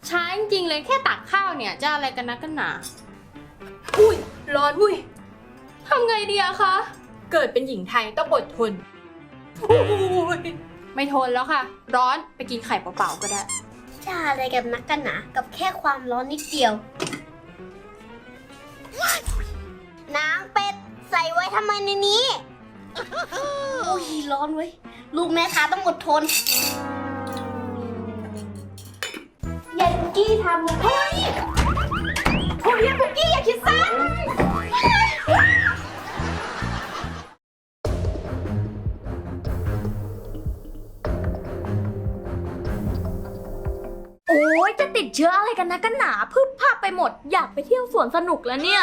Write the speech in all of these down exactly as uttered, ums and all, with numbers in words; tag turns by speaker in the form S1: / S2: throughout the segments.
S1: ช้าจริงๆเลยแค่ตักข้าวเนี่ยจะอะไรกันนักกันหนาอุ้ยร้อนอุ้ยทำไงดีอะคะเกิดเป็นหญิงไทยต้องอดทนอุ้ยไม่ทนแล้วค่ะร้อนไปกินไข่เปล่าๆก็ได้
S2: จะอะไรกันนักกันหนากับแค่ความร้อนนิดเดียวน้ำเป็ดใส่ไว้ทำไมในนี้อุ้ยร้อนเว้ยลูกแม่ค้าต้องอดทนยายปุกกี้ทำเฮ้ยโอ้ยยายปุกกี้อย่าคิดสั้น
S3: โอ้ยจะติดเชื้ออะไรกันนะกันหนาพึบภาพไปหมดอยากไปเที่ยวสวนสนุกแล้วเนี่ย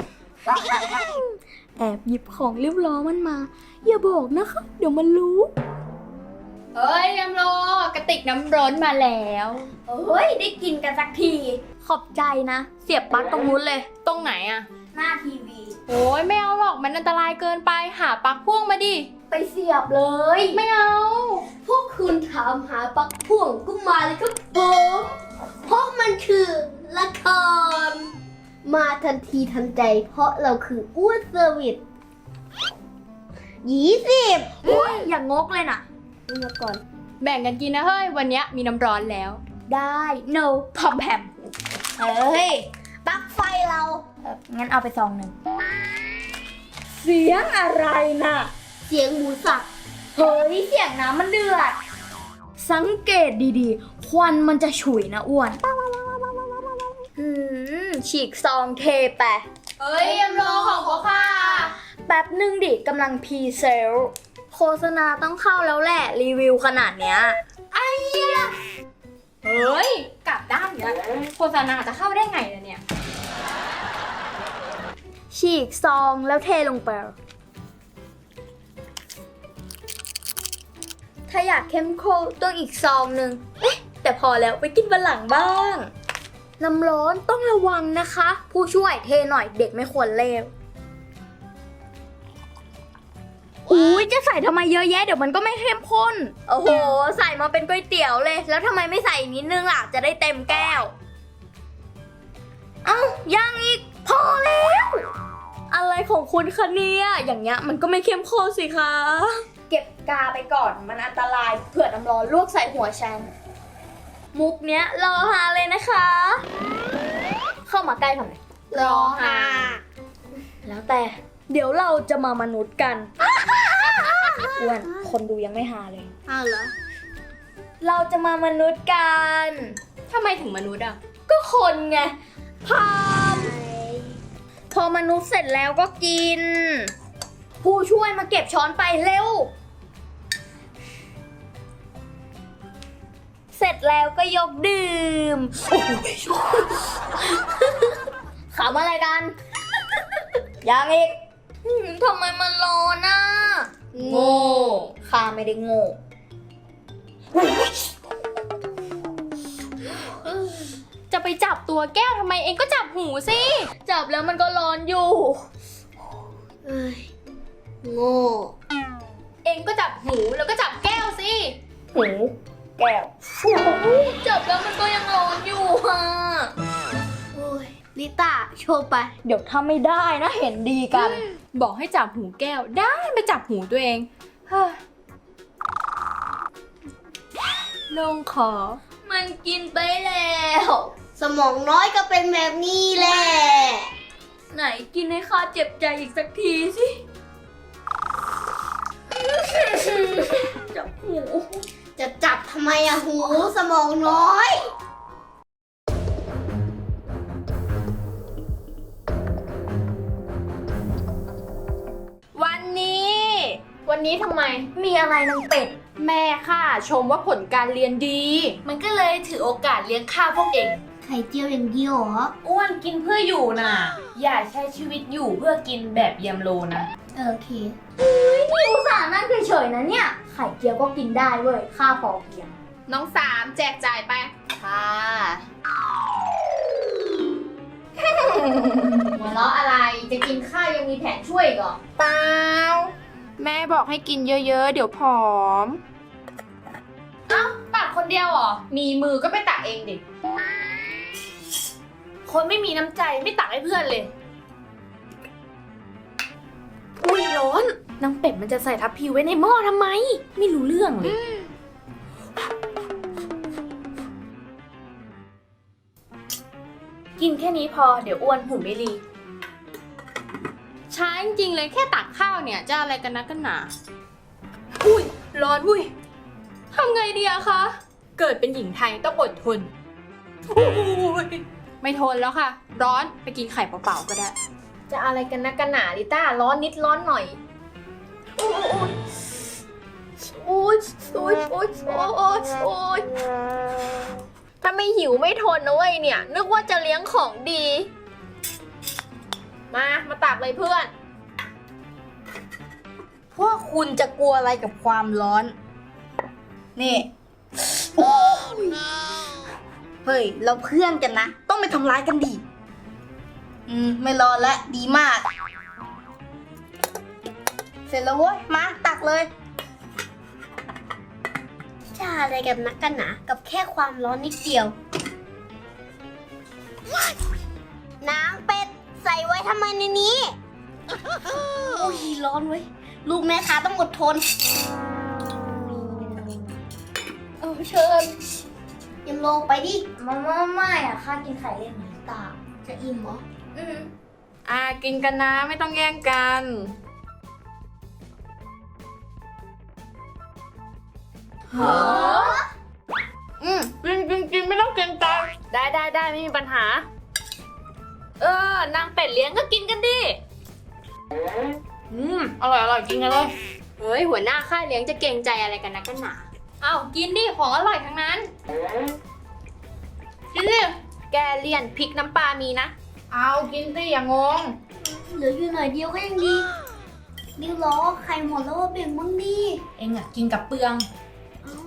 S3: แอบหยิบของเรียบร้อยมันมาอย่าบอกนะคะเดี๋ยวมันรู้
S1: เฮ้ยน้ำโลกระติกน้ำร้อนมาแล้ว
S3: เฮ้ยได้กินกันสักทีขอบใจนะเสียบปลั๊กตรงนู้นเลย
S1: ตรงไหนอะ
S3: หน้าทีวี
S1: โอ้ยไม่เอาหรอกมันอันตรายเกินไปหาปลั๊กพ่วงมาดิ
S3: ไปเสียบเลย
S1: ไม่เอา
S2: พวกคุณถามหาปลั๊กพ่วงก็มาเลยครับผมเพราะมันคือละครมาทันทีทันใจเพราะเราคืออ้วนเซอร์วิสยี่สิบ
S3: โอ้ยอย่างงกเลยนะ
S2: ดูมาก่อน
S1: แบ่งกันกินนะเฮ้ยวันนี้มีน้ำร้อนแล้ว
S3: ได้ no พอมแพม
S2: เฮ้ยปลั๊กไฟเรา
S3: เอองั้นเอาไปซองหนึ่งเสียงอะไรน่ะ
S2: เสียงหมูสับ
S3: เฮ้ยเสียงน้ำมันเดือดสังเกตดีๆควันมันจะฉุยนะอ้วนอืมฉีกซองเทไป
S1: เฮ้ยยำโลของพ่อค่ะ
S3: แป๊บนึงดิกำลังพรีเซลโฆษณาต้องเข้าแล้วแหละรีวิวขนาดเนี้ย
S1: ไอ้เหี้ยเฮ้ยกลับด้านเนี้ยโฆษณาจะเข้าได้ไงล่ะเนี่ย
S3: ฉีกซองแล้วเทลงไปถ้าอยากเข้มข้นต้องอีกซองหนึ่งเอ๊ะแต่พอแล้วไปกินวันหลังบ้างน้ำร้อนต้องระวังนะคะผู้ช่วยเทหน่อยเด็กไม่ควรเลวอุ้ยจะใส่ทำไมเยอะแยะเดี๋ยวมันก็ไม่เข้มข้นโอ้โหใส่มาเป็นก๋วยเตี๋ยวเลยแล้วทำไมไม่ใส่นิดนึงล่ะจะได้เต็มแก้วเอ้ายังอีกพอแล้วอะไรของคุณคะเนี่ยอย่างเงี้ยมันก็ไม่เข้มข้นสิคะเก็บกาไปก่อนมันอันตรายเผื่อน้ำร้อนลวกใส่หัวฉันมุกเนี้ยรอฮาเลยนะคะเข้ามาใกล้ทำไม
S1: รอฮา
S3: แล้วแต่เดี๋ยวเราจะมามนุษย์กันอ้วนคนดูยังไม่ฮาเลย
S2: อ้าวเหรอ
S3: เราจะมามนุษย์กัน
S1: ทำไมถึงมนุษย์อ่ะ
S3: ก็คนไงพามพอมนุษย์เสร็จแล้วก็กินผู้ช่วยมาเก็บช้อนไปเร็วเสร็จแล้วก็ยกดื่มขำอะไรกันยังอีกทำไมมันร้อนน่ะ
S1: โง่
S3: ข้าไม่ได้โง่
S1: จะไปจับตัวแก้วทำไมเองก็จับหูสิ
S3: จับแล้วมันก็ร้อนอยู่
S2: เอ้ยโง่
S1: เองก็จับหูแล้วก็จับแก้วสิ
S3: หูแก้วจับแล้วมันก็ยังร้อนอยู่ฮะ
S2: โอ้ยลิต้าโชว์ไป
S3: เดี๋ยวทำไม่ได้นะเห็นดีกัน
S1: บอกให้จับหูแก้วได้ไปจับหูตัวเองเฮ้ยลงขอ
S3: มันกินไปแล้ว
S2: สมองน้อยก็เป็นแบบนี้แหละ
S3: ไหนกินให้ข้าเจ็บใจอีกสักทีสิจับหู
S2: จะจับทำไมอะหูสมองน้อย
S1: วันนี้วันนี้ทำไม
S3: มีอะไรนางเป็ด
S1: แม่ข้าชมว่าผลการเรียนดี
S3: มันก็เลยถือโอกาสเลี้ยงข้าพวกเอง
S2: ไข่เจียวอย่างเดียวเหรอ
S4: อ้วนกินเพื่ออยู่น่ะอย่าใช้ชีวิตอยู่เพื่อกินแบบยำโลนะ
S2: โอเค
S3: เฮ้ยนี่อุตส่าห์นั่งเฉยๆนะเนี่ยไข่เจียวก็กินได้เว้ยข้าพอเพียง
S1: น้องสามแจกจ่ายไป
S3: ค่ะ
S4: หัวเราะอะไรจะกินข้าวยังมีแผนช่วยก่อน
S1: เปล่าแม่บอกให้กินเยอะๆเดี๋ยวผอม
S4: เอ้าตักคนเดียวเหรอมีมือก็ไปตักเองดิคนไม่มีน้ำใจไม่ตักให้เพื่อนเลย อุ้ยร้อนนางเป็ดมันจะใส่ทัพพีไว้ในหม้อทำไม ไม่รู้เรื่องเลย กินแค่นี้พอเดี๋ยวอ้วนหุ่นไม่รี
S1: ช้าจริงๆเลยแค่ตักข้าวเนี่ยจะอะไรกันนักกันหนา อุ้ยร้อนอุ้ยทำไงดีอะคะ เกิดเป็นหญิงไทยต้องอดทนอุ้ยไม่ทนแล้วค่ะ ร้อนไปกินไข่เปล่าๆก็ได้
S3: จะอะไรกันนักกันหนาลิต้าร้อนนิดร้อนหน่อยโอ้ยโอ้ยโอ้ยโอ้ยโอ้ยโอ้ยโอ้ยถ้าไม่หิวไม่ทนนะเว้ยเนี่ย นึกว่าจะเลี้ยงของดี มา มาตักเลยเพื่อน
S5: พวกคุณจะกลัวอะไรกับความร้อน นี่ เฮ้ย เราเพื่อนกันนะ ต้องไม่ทำร้ายกันดิ อืม ไม่รอแล้วดีมาก เสร็จแล้วเว้ย มาตักเลย
S2: จะอะไรกับนักกันหนากับแค่ความร้อนนิดเดียว น้ำเป็ดใส่ไว้ทำไมในนี้ อุ้ยร้อนเว้ย ลูกแม่ค้าต้องอดทน
S3: เออเชิญ
S2: ยังลงไปดิ
S3: มาม่าไม่อะข้ากินไข่เล่นหน่อยตา
S2: จะอิ่มเหรอ
S3: อืม
S1: อ่ากินกันนะไม่ต้องแย่งกันหออืมกินกินกินไม่ต้องเกรงใจ
S4: ได้ได้ได้ไม่มีปัญหา เออนางเป็ดเลี้ยงก็กินกันดิ อืม อร่อยอร่อยกินกันเลย
S1: เฮ้ยหัวหน้าค่ายเลี้ยงจะเกรงใจอะไรกันนักกันหนาเอ้ากินดิของอร่อยทั้งนั้นกินดิ
S4: แกเลี่ยนพริกน้ำปลามีนะ
S1: เอากินสิอย่างง
S2: เหลืออยู่หน่อยเดียวก็ยังดีดิวล้อไข่หมดแล้วว่าแบ่งบ้างดิ
S4: เอ็งอะกินกับเปลือง
S2: เอ้า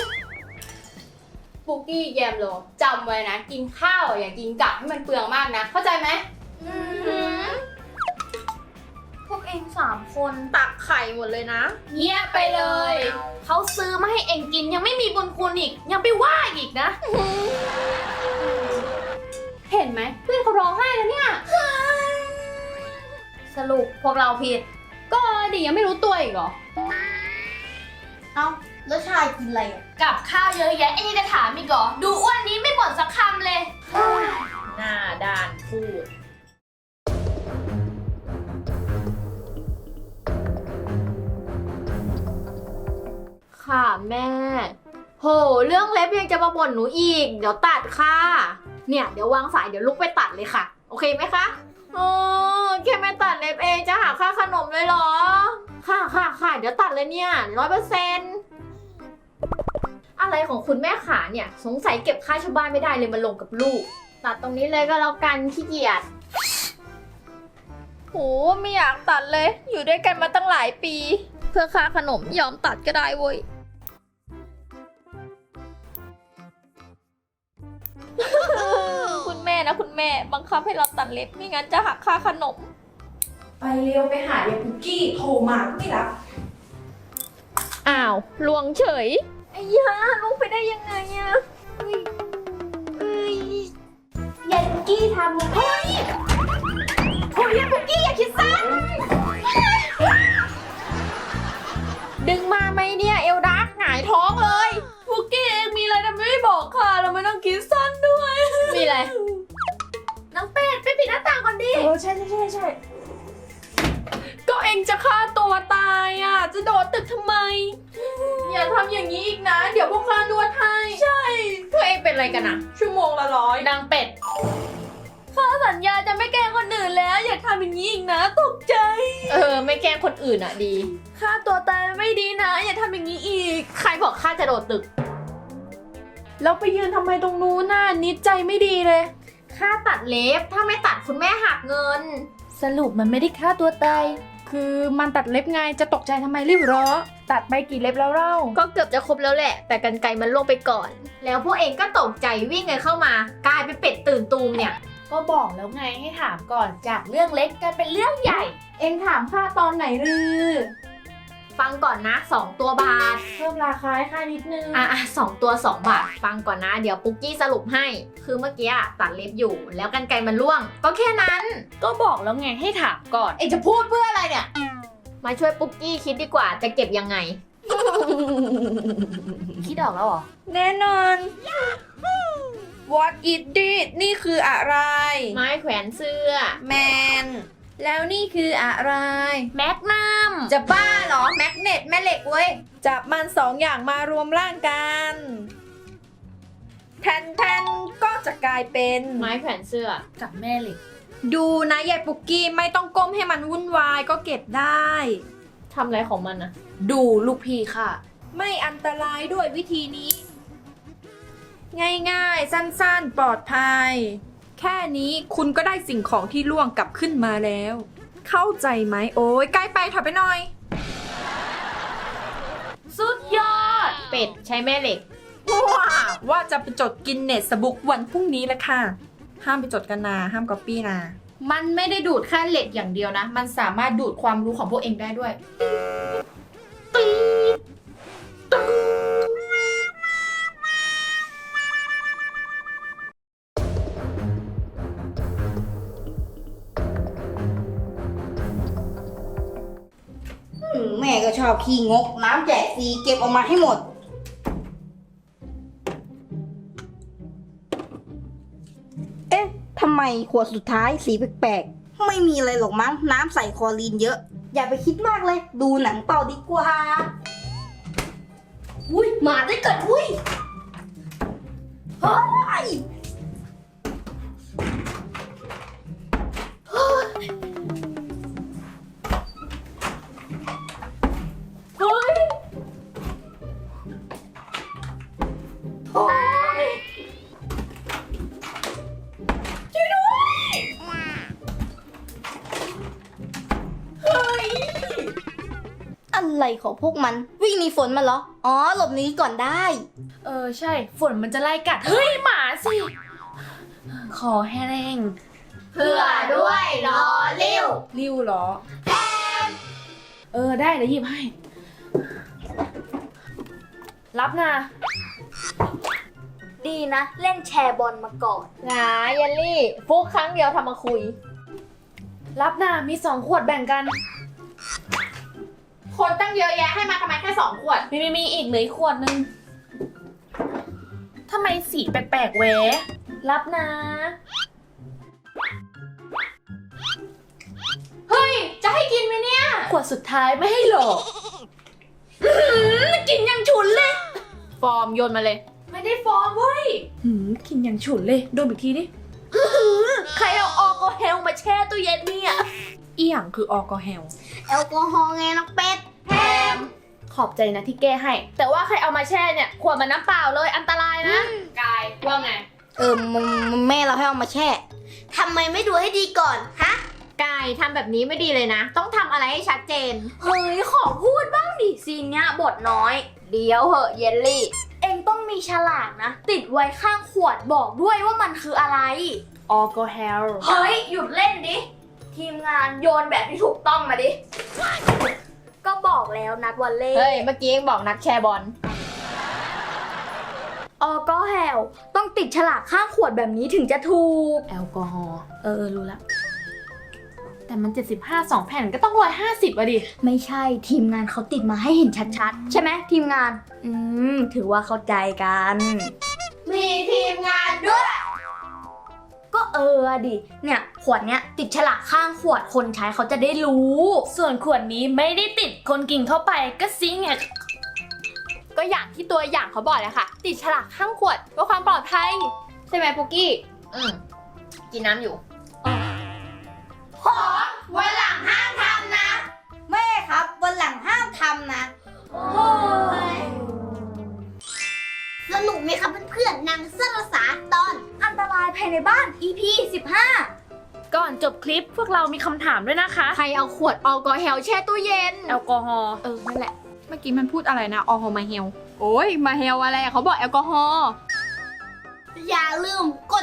S1: ปุกกี้แยมโลจำไว้นะ กินข้าวอย่ากินกลับให้มันเปลืองมากนะ เข้าใจไหม
S3: พวกเองสามคนตักไข่หมดเลยนะ
S4: เงียบไปเลย เขาซื้อมาให้เอ็งกินยังไม่มีบุญคุณอีก ยังไปว่าอีกนะ
S1: เห็นไหมเพื่อนเขาร้องไห้แล้วเนี่ย
S3: สรุปพวกเราผิด
S1: ก็ดิยังไม่รู้ตัวอีกเหรอ
S2: เอ้าแล้วชายกินอะไรอ่ะ
S4: กับข้าวเยอะแยะเอ็งยังจะถามอีกเหรอ ดูอ้วนนี้ไม่บ่นสักคำเลย หน้าด้านพูด
S3: ค่ะแม่ โห เรื่องเล็บยังจะมาบ่นหนูอีก เดี๋ยวตัดค่ะ เนี่ย เดี๋ยววางสายเดี๋ยวลุกไปตัดเลยค่ะ โอเคไหมคะโอ้แค่ไม่ตัดเล็บเองจะหาค่าขนมเลยเหรอ ค่ะค่ะค่ะเดี๋ยวตัดเลยเนี่ยร้อยเปอร์เซ็นต์อะไรของคุณแม่ขาเนี่ย สงสัยเก็บค่าชาวบ้านไม่ได้เลยมาลงกับลูก ตัดตรงนี้เลยก็แล้วกันขี้เกียจโหไม่อยากตัดเลย อยู่ด้วยกันมาตั้งหลายปี เพื่อค่าขนมยอมตัดก็ได้เว้ย คุณแม่นะคุณแม่บังคับให้เราตัดเล็บไม่งั้นจะหักค่าขนม
S6: ไปเร็วไปหายายปุกกี้โทรมาก็ไม่รับ
S3: อ้าวลวงเฉยไอ้ยาลุกไปได้ยังไงอะเอ้ยเอ้ย
S2: ยายปุกกี้ทำเฮ้ยโอ้ยยายปุกกี้อย่าคิดสั้น
S3: ดึงมาไหมเนี่ยเอลดักหงายท้องเลย
S1: ปุกกี้เองมีอะไรทำไมไม่บอกค่ะเราไม่ต้องคิดสั้นด้วย
S3: มีอะไร
S4: น้องเป็ดไปปิดหน้าต่างก่อนดิ
S6: เออใช่ใช่ใช่ใช่
S1: ก็เองจะฆ่าตัวตายอ่ะ จะโดดตึกทำไม อย่าทำอย่างนี้อีกนะ เดี๋ยวพวกข้านวดให้ ใช่เธอเองเป็นอะไรกันอะชั่วโมงละร้อย
S4: นางเป็ด
S1: ข้าสัญญาจะไม่แกล้งคนอื่นแล้ว อย่าทำอย่างนี้อีกนะตกใจ
S3: เออ ไม่แกล้งคนอื่นอะดี
S1: ฆ่าตัวตายไม่ดีนะ อย่าทำอย่างนี้อีก
S3: ใครบอกข้าจะโดดตึก
S6: แล้วไปยืนทำไมตรงนู้นน่ะนิดใจไม่ดีเลย
S3: ค่าตัดเล็บ ถ้าไม่ตัดคุณแม่หักเงิน
S6: สรุปมันไม่ได้ฆ่าตัวตายคือมันตัดเล็บไงจะตกใจทำไมรีบเหรอตัดไปกี่เล็บแล้วเล่า
S3: ก็เกือบจะครบแล้วแหละ แต่กันไกรมันล่วงไปก่อน แล้วพวกเองก็ตกใจวิ่งกันเข้ามากลายเป็นเป็ดตื่นตูมเนี่ย
S4: ก็บอกแล้วไงให้ถามก่อนจากเรื่องเล็กกลายเป็นเรื่องใหญ่
S6: เอ็งถามข้าตอนไหนรือ
S4: ฟังก่อนนะสองตัวบาท
S6: เพิ่มราคาให้ค่านิดนึง
S4: อ่ะอ่ะสองตัวสองบาท ฟังก่อนนะ เดี๋ยวปุ๊กกี้สรุปให้ คือเมื่อกี้อะตัดเล็บอยู่ แล้วกรรไกรมันร่วง ก็แค่นั้น
S6: ก็บอกแล้วไงให้ถามก่อน
S1: เอ็งจะพูดเพื่ออะไรเนี่ย
S4: มาช่วยปุ๊กกี้คิดดีกว่าจะเก็บยังไง
S3: คิดออกแล้วเหรอ
S6: แน่นอน What is this นี่คืออะไร
S4: ไม้แขวนเสื้อ
S6: แมน แล้วนี่คืออะไร
S4: แมกนัม
S6: จะบ้าเหรอ แมกเนตแม่เหล็กเว้ย จับมันสองอย่างมารวมร่างกันแทนแทนก็จะกลายเป็น
S4: ไม้แขวนเสื้อ
S6: กับแม่เหล็ก ดูนะยายปุกกี้ไม่ต้องก้มให้มันวุ่นวายก็เก็บได้
S4: ทำอะไรของมันนะ
S6: ดูลูกพี่ค่ะ ไม่อันตรายด้วยวิธีนี้ ง่ายๆ สั้นๆ ปลอดภัย แค่นี้คุณก็ได้สิ่งของที่ล่วงกลับขึ้นมาแล้ว เข้าใจไหมโอ้ยใกล้ไปถอยไปหน่อย
S4: สุดยอด เป็ดใช้แม่เหล็ก
S6: ว้าว่าจะไปจดกินเนสบุ๊กวันพรุ่งนี้แหละค่ะ ห้ามไปจดกันนะห้ามก๊อปปี้นะ
S1: มันไม่ได้ดูดแค่เหล็กอย่างเดียวนะ มันสามารถดูดความรู้ของพวกเองได้ด้วย
S5: อืมแม่ก็ชอบขี้งก น้ำแจกฟรีเก็บออกมาให้หมด เอ๊ะทำไมขวดสุดท้ายสีแปลกๆ ไม่มีอะไรหรอกมั้ง น้ำใส่คลอรีนเยอะ อย่าไปคิดมากเลย ดูหนังต่อดีกว่า
S2: อุ้ยหมาได้เกิดอุ้ย
S5: เฮ้ย อะไรของพวกมัน วิ่งหนีฝนมาเหรอ อ๋อ หลบหนีก่อนได้
S6: เออใช่ ฝนมันจะไล่กัด เฮ้ย หมาสิ ขอแห้ง
S4: เพื่อด้วยรอเร็ว
S6: ริ้วเหรอ เออได้เดี๋ยวหยิบให้ รับนะ
S3: ดีนะ เล่นแชร์บอลมาก่อน
S4: งาเยลลี่ ฟุกครั้งเดียวทำมาคุย
S6: รับนะมีสองขวดแบ่งกัน
S1: คนตั้งเยอะแยะให้มาทำไมแค่สองขวด
S6: มีมีมีอีกเหลืออีกขวดนึงทำไมสีแปลกๆเวะรับนะ
S1: เฮ้ย จะให้กินไหมเนี่ย
S6: ขวดสุดท้ายไม่ให้หรอกกินยังฉุนเลย
S1: ฟอร์มโยนมาเลย
S6: ไม่ได้ฟอร์มเว้ยหืมกินยังฉุนเลยดมอีกทีดิใครเอาออลกอฮอล์มาแช่ตู้เย็นเนี่ยอีหยังคือออลกอฮอล์
S2: แอลกอฮอล์ไงน้องเป็ด
S6: ขอบใจนะที่แก้ให้ แต่ว่าใครเอามาแช่เนี่ยขวดมันน้ำเปล่าเลยอันตรายนะ
S1: กาย ว่าไง
S5: เออมมแม่เราให้เอามาแช่
S2: ทำไมไม่ดูให้ดีก่อน ฮะ
S4: กายทำแบบนี้ไม่ดีเลยนะ ต้องทำอะไรให้ชัดเจน
S3: เฮ้ย ขอพูดบ้างดิซีนเนี้ยบทน้อย
S4: เดี๋ยวเหอะเยลลี่
S3: เองต้องมีฉลากนะ ติดไว้ข้างขวดบอกด้วยว่ามันคืออะไร
S6: ออลกอฮอล์
S3: เฮ้ย หยุดเล่นดิ ทีมงานโยนแบบที่ถูกต้องมาดิ ก็บอกแล้วนัดวันเล่
S4: เฮ้ย เมื่อกี้เองบอกนักแชร์บอล
S3: ออก็แฮลต้องติดฉลากข้างขวดแบบนี้ถึงจะถูก
S6: แอลกอฮอล์เออเออรู้ละแต่มันเจ็ดสิบห้า สองแผ่นก็ต้องร้อยห้าสิบอะดิ
S3: ไม่ใช่ทีมงานเขาติดมาให้เห็นชัดๆ ใช่ไหมทีมงาน อืม ถือว่าเข้าใจกัน
S2: มีทีมงานด้วย
S3: ก็เอออะดิ เนี่ยขวดเนี้ยติดฉลากข้างขวดคนใช้เขาจะได้รู้
S6: ส่วนขวดนี้ไม่ได้ติดคนกินเข้าไปก็ซิงไง
S1: ก็อย่างที่ตัวอย่างเขาบอกเลยค่ะ ติดฉลากข้างขวดเพื่อความปลอดภัย ใช่ไหมปุกกี้
S4: อืมกินน้ำอยู่
S2: วันหลังห้ามทำนะ
S5: แม่ครับ วันหลังห้ามทำนะ
S2: สนุกไหมครับเพื่อนๆนางสรสาตอน
S3: อันตรายภายในบ้าน อี พี สิบห้า
S6: ก่อนจบคลิปพวกเรามีคำถามด้วยนะคะ
S1: ใครเอาขวดแอลกอฮอล์แช่ตู้เย็น
S6: แอลกอฮอล์
S1: เออ นั่นแหละ เมื่อกี้มันพูดอะไรนะแอลกอฮอล์มาเฮล โอ้ย มาเฮลอะไรเขาบอกแอลกอฮอล์
S2: อย่าลืมกด